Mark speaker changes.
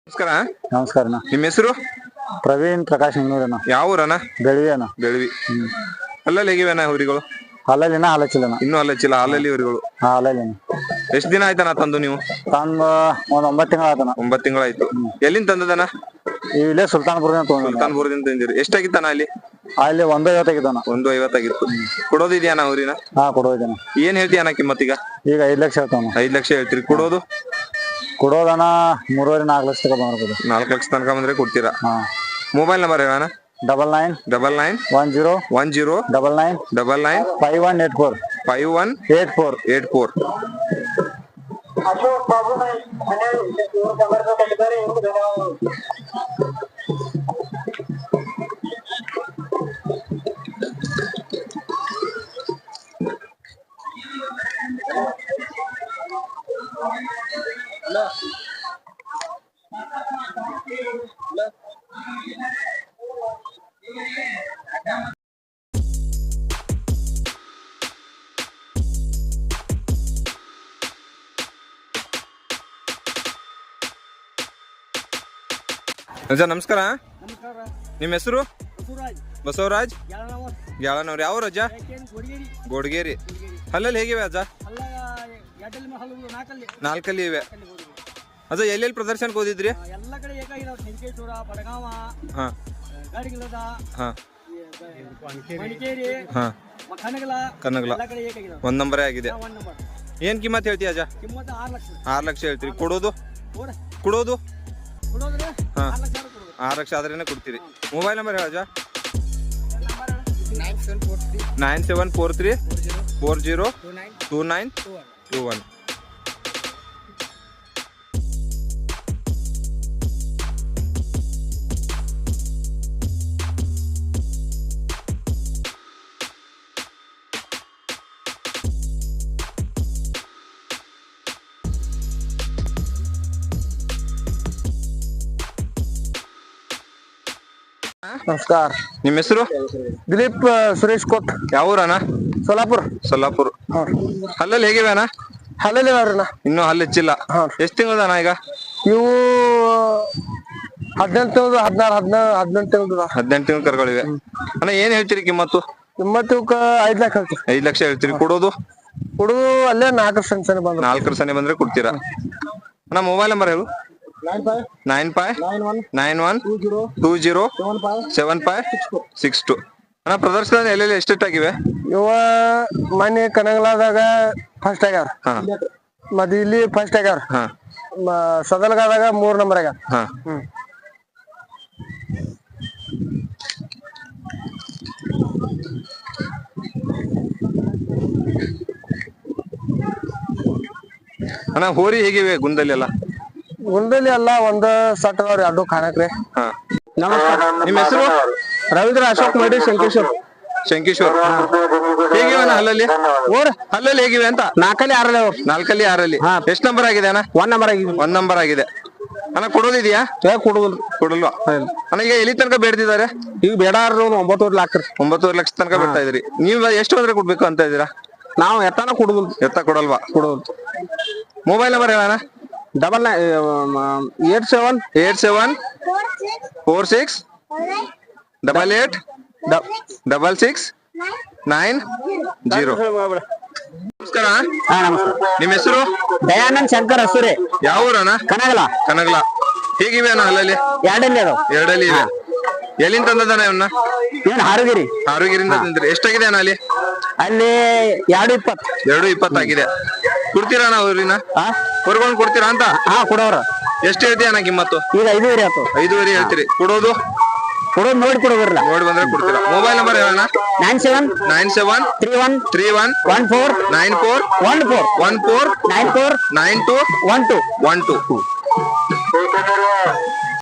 Speaker 1: ನಮಸ್ಕಾರ.
Speaker 2: ನಮಸ್ಕಾರ.
Speaker 1: ನಿಮ್ಮ ಹೆಸರು?
Speaker 2: ಪ್ರವೀಣ್ ಪ್ರಕಾಶ್ ನಿಂಗೂರಣ್ಣ.
Speaker 1: ಯಾವ ಊರಣ್ಣ?
Speaker 2: ಬೆಳವಿ ಅಣ್ಣ.
Speaker 1: ಬೆಳವಿ. ಅಲ್ಲಲ್ಲಿ ಹೇಗಿವೆಣ್ಣ ಊರಿಗಳು?
Speaker 2: ಹಾಲಲ್ಲಿನ ಹಾಲಚ್ಚಿಲ್ಲಣ್ಣ.
Speaker 1: ಇನ್ನೂ ಹಲ್ಲಚ್ಚಿಲ್ಲ, ಹಾಲಲ್ಲಿ ಊರುಗಳು.
Speaker 2: ಹಾಲಲ್ಲಿನ.
Speaker 1: ಎಷ್ಟು ದಿನ ಆಯ್ತಣ್ಣ ತಂದು ನೀವು?
Speaker 2: ತಂದು ಒಂದ್ 9 ತಿಂಗಳ ಆಯ್ತಣ್ಣ.
Speaker 1: 9 ತಿಂಗಳಾಯ್ತು. ಎಲ್ಲಿಂದ ತಂದದಣ್ಣ?
Speaker 2: ಇಲ್ಲೇ ಸುಲ್ತಾನ್ಪುರದಿಂದ ತಗೊಂಡು.
Speaker 1: ಸುಲ್ತಾನ್ಪುರದಿಂದ ತಂದಿರಿ. ಎಷ್ಟಾಗಿತ್ತಣ್ಣ ಅಲ್ಲಿ?
Speaker 2: ಅಲ್ಲಿ 150 ಆಗಿದ್ದಣ್ಣ.
Speaker 1: 150 ಆಗಿತ್ತು. ಕೊಡೋದಿದೆಯಣ್ಣ ಊರಿನ?
Speaker 2: ಹಾ, ಕೊಡೋದಣ್ಣ.
Speaker 1: ಏನ್ ಹೇಳ್ತೀಯಣ್ಣ ಕಿಮ್ಮತ್ತೀಗ?
Speaker 2: ಈಗ 5 ಲಕ್ಷ ಹೇಳ್ತಾವ.
Speaker 1: 5 ಲಕ್ಷ ಹೇಳ್ತೀರಿ. ಕೊಡೋದು?
Speaker 2: ಕೊಡೋದಣ್ಣ 3.5-4 ಲಕ್ಷ ತನಕ ಬಂದಿರ್ಬೋದು.
Speaker 1: 4 ಲಕ್ಷ ತನಕ ಬಂದ್ರೆ ಕೊಡ್ತೀರಾ?
Speaker 2: ಹಾ.
Speaker 1: ಮೊಬೈಲ್ ನಂಬರ್ ಹೇಳಣ್ಣ.
Speaker 2: 99
Speaker 1: 10
Speaker 2: 99
Speaker 1: 99
Speaker 2: 5184
Speaker 1: 5184.
Speaker 3: अशोक बाबू ने
Speaker 1: ಅಜ್ಜ ನಮಸ್ಕಾರ.
Speaker 3: ನಮಸ್ಕಾರ.
Speaker 1: ನಿಮ್ಮ ಹೆಸರು? ಬಸವರಾಜ್. ಗ್ಯಾಳನವ್ರು. ಯಾವ ರಜ? ಗೋಡ್ಗೇರಿ. ಹಲ್ಲಲ್ಲಿ ಹೇಗಿವೆ ಅಜ್ಜ? 4 ಇವೆ. ಅಜ್ಜ ಎಲ್ಲೆಲ್ಲಿ ಪ್ರದರ್ಶನಕ್ಕೆ ಹೋದಿದ್ರಿ?
Speaker 3: ಎಲ್ಲ ಕಡೆ ಏಕಾಗಿದಾವ. ಸಂಕೇಶ್ವರ, ಬಡಗಾವ,
Speaker 1: ಹಾ
Speaker 3: ಗಾಡಿಗಿಲ್ಲದ,
Speaker 1: ಹಾ
Speaker 3: ಮಡಿಕೇರಿ,
Speaker 1: ಹಾ
Speaker 3: ಕನಗಲ,
Speaker 1: ಕನಗಲ.
Speaker 3: ಎಲ್ಲ ಕಡೆ ಏಕಾಗಿದಾವ.
Speaker 1: 1 ನಂಬರೇ ಆಗಿದೆ.
Speaker 3: 1 ನಂಬರ್.
Speaker 1: ಏನ್ ಕಿಮ್ಮತ್ ಹೇಳ್ತೀಯ ಅಜ್ಜ?
Speaker 3: ಕಿಮ್ಮತ್ತ 6 ಲಕ್ಷ.
Speaker 1: 6 ಲಕ್ಷ ಹೇಳ್ತೀರಿ. ಕೊಡೋದು?
Speaker 3: ಕೊಡೋದ್ರೆ
Speaker 1: ಹಾ
Speaker 3: 6 ಲಕ್ಷ ಕೊಡೋದು.
Speaker 1: 6 ಲಕ್ಷ ಆದ್ರೇನೆ ಕೊಡ್ತೀರಿ. ಮೊಬೈಲ್ ನಂಬರ್ ಹೇಳ ಅಜ್ಜ.
Speaker 3: 9743
Speaker 1: 9743 40 2921.
Speaker 2: ನಮಸ್ಕಾರ.
Speaker 1: ನಿಮ್ಮ ಹೆಸರು?
Speaker 2: ದಿಲೀಪ್ ಸುರೇಶ್ ಕೋಟ್.
Speaker 1: ಯಾವ ಊರಣ್ಣ?
Speaker 2: ಸೋಲಾಪುರ.
Speaker 1: ಸೊಲ್ಲಾಪುರ. ಹಲ್ಲಲ್ಲಿ ಹೇಗಿವೆ ಅಣ್ಣ?
Speaker 2: ಹಲ್ಲಲ್ಲಿ ಅವ್ರಣ್ಣ.
Speaker 1: ಇನ್ನೂ ಹಲ್ಲು ಹೆಚ್ಚಿಲ್ಲ. ಎಷ್ಟು ತಿಂಗಳದಣ್ಣ ಈಗ?
Speaker 2: ಇವು 18 ತಿಂಗಳು, 18 ತಿಂಗಳು.
Speaker 1: 18 ತಿಂಗಳು ಕರ್ಗಳಿವೆ. ಅಣ್ಣ ಏನ್ ಹೇಳ್ತೀರಿ ಕಿಮ್ಮತ್ತು?
Speaker 2: ಕಿಮ್ಮತ್ತು 5 ಲಕ್ಷ ಹೇಳ್ತೀವಿ.
Speaker 1: 5 ಲಕ್ಷ ಹೇಳ್ತೀರಿ. ಕೊಡೋದು?
Speaker 2: ಹುಡುಗ ಅಲ್ಲೇ 4 ಸೆಂಟ್ಸ್ ಬಂದ್ರು.
Speaker 1: 4 ಸನೆ ಬಂದ್ರೆ ಕೊಡ್ತೀರಾ? ಅಣ್ಣ ಮೊಬೈಲ್ ನಂಬರ್ ಹೇಳು. 95 91 20 7562. ಅಣ್ಣ ಪ್ರದರ್ಶನ ಎಲ್ಲೆಲ್ಲಿ ಎಷ್ಟೆಷ್ಟಾಗಿವೆ?
Speaker 2: ಇವ ಮನೆ ಕನಗಲಾದಾಗ ಫಸ್ಟ್ ಆಗ್ಯಾರ.
Speaker 1: ಹಾ
Speaker 2: ಮತ್ತೆ ಇಲ್ಲಿ ಫಸ್ಟ್ ಆಗ್ಯಾರ.
Speaker 1: ಹಾ
Speaker 2: ಸದಲ್ಗಾದಾಗ 3 ನಂಬರ್ ಆಗ್ಯಾರ.
Speaker 1: ಹಾ ಅಣ್ಣ ಹೋರಿ ಹೇಗಿವೆ ಗುಂದಲ್ಲಿ ಎಲ್ಲ?
Speaker 2: ಗುಂಡಲ್ಲಿ ಎಲ್ಲ ಒಂದ್ ಸಟ್ ಅದಾವ್ರಿ, ಅಡ್ಡು ಕಾಣಕ್ರಿ.
Speaker 1: ಹಾ
Speaker 2: ನಮಸ್ಕಾರ.
Speaker 1: ನಿಮ್ಮ ಹೆಸರು?
Speaker 2: ರವೀಂದ್ರ ಅಶೋಕ್ ಮಾಡಿ ಶಂಕೇಶ್ವರ್.
Speaker 1: ಶಂಕೇಶ್ವರ್. ಹೇಗಿವೆ ಅಣ್ಣ ಹಲ್ಲಲ್ಲಿ? ಹಲ್ಲಲ್ಲಿ ಹೇಗಿವೆ ಅಂತ?
Speaker 2: 4 6 ಅವ್ರು.
Speaker 1: 4 6. ಎಷ್ಟು ನಂಬರ್ ಆಗಿದೆ ಅಣ್ಣ?
Speaker 2: 1 ನಂಬರ್ ಆಗಿದೆ.
Speaker 1: 1 ನಂಬರ್ ಆಗಿದೆ. ಅಣ್ಣ ಕೊಡೋದಿದ್ಯಾ?
Speaker 2: ಕೊಡುದಿಲ್ಲ.
Speaker 1: ಕೊಡಲ್ವಾ? ಅಣ್ಣ ಈಗ ಎಲ್ಲಿ ತನಕ ಬೇಡ್ತಿದ್ದಾರೆ?
Speaker 2: ಈಗ ಬೇಡಾರ 9.5 ಲಕ್ಷ.
Speaker 1: 9 ಲಕ್ಷ ತನಕ ಬಿಡ್ತಾ ಇದ್ರಿ. ನೀವು ಎಷ್ಟು ಅಂದ್ರೆ ಕೊಡ್ಬೇಕು ಅಂತ ಇದ್ದೀರಾ?
Speaker 2: ನಾವು ಎತ್ತಾನ ಕೊಡುದಿಲ್ಲ.
Speaker 1: ಎತ್ತ ಕೊಡಲ್ವಾ?
Speaker 2: ಕೊಡುದಿಲ್ಲ.
Speaker 1: ಮೊಬೈಲ್ ನಂಬರ್ ಹೇಳೋಣ.
Speaker 2: 87
Speaker 1: 46 88 66 90. ನಮಸ್ಕಾರ. ನಿಮ್ಮ ಹೆಸರು?
Speaker 2: ದಯಾನಂದ್ ಶಂಕರ್ ಹಸೂರಿ.
Speaker 1: ಯಾವ ಊರಣ್ಣ?
Speaker 2: ಕನಗಲ.
Speaker 1: ಕನಗಲ. ಹೇಗಿವೆ ಅಣ್ಣ ಹಲ್ಲಲ್ಲಿ?
Speaker 2: 2 ಅದಾವ.
Speaker 1: 2 ಇವೆ. ಎಲ್ಲಿಂದ ತಂದದಣ್ಣ ಇವನ್ನ?
Speaker 2: ಏನ್ ಹಾರುಗಿರಿ.
Speaker 1: ಹಾರುಗಿರಿಂದ ತಂದ್ರಿ. ಎಷ್ಟಾಗಿದೆ ಅಣ್ಣ ಅಲ್ಲಿ?
Speaker 2: ಅಲ್ಲಿ 220.
Speaker 1: 220 ಆಗಿದೆ. ಕೊಡ್ತೀರಾ ಅಣ್ಣ ಊರಿನ? ಹೊರಗೊಂಡು ಕೊಡ್ತೀರಾ ಅಂತ?
Speaker 2: ಹಾ ಕೊಡೋರ.
Speaker 1: ಎಷ್ಟು ಹೇಳ್ತೀಯ ಅಣ್ಣ ಕಿಮ್ಮತ್ತು?
Speaker 2: ಈಗ 5.5 ಆಯ್ತು.
Speaker 1: 5.5 ಹೇಳ್ತೀರಿ. ಕೊಡೋದು?
Speaker 2: ನೋಡಿ ಕೊಡೋದಿಲ್ಲ.
Speaker 1: ನೋಡಿ ಬಂದ್ರೆ ಕೊಡ್ತೀರಾ. ಮೊಬೈಲ್ ನಂಬರ್ ಹೇಳೋಣ.
Speaker 2: 97
Speaker 1: 91
Speaker 2: 31
Speaker 1: 31
Speaker 2: 14
Speaker 1: 94
Speaker 2: 14
Speaker 1: 14
Speaker 2: 94
Speaker 1: 92
Speaker 2: 12
Speaker 1: 12.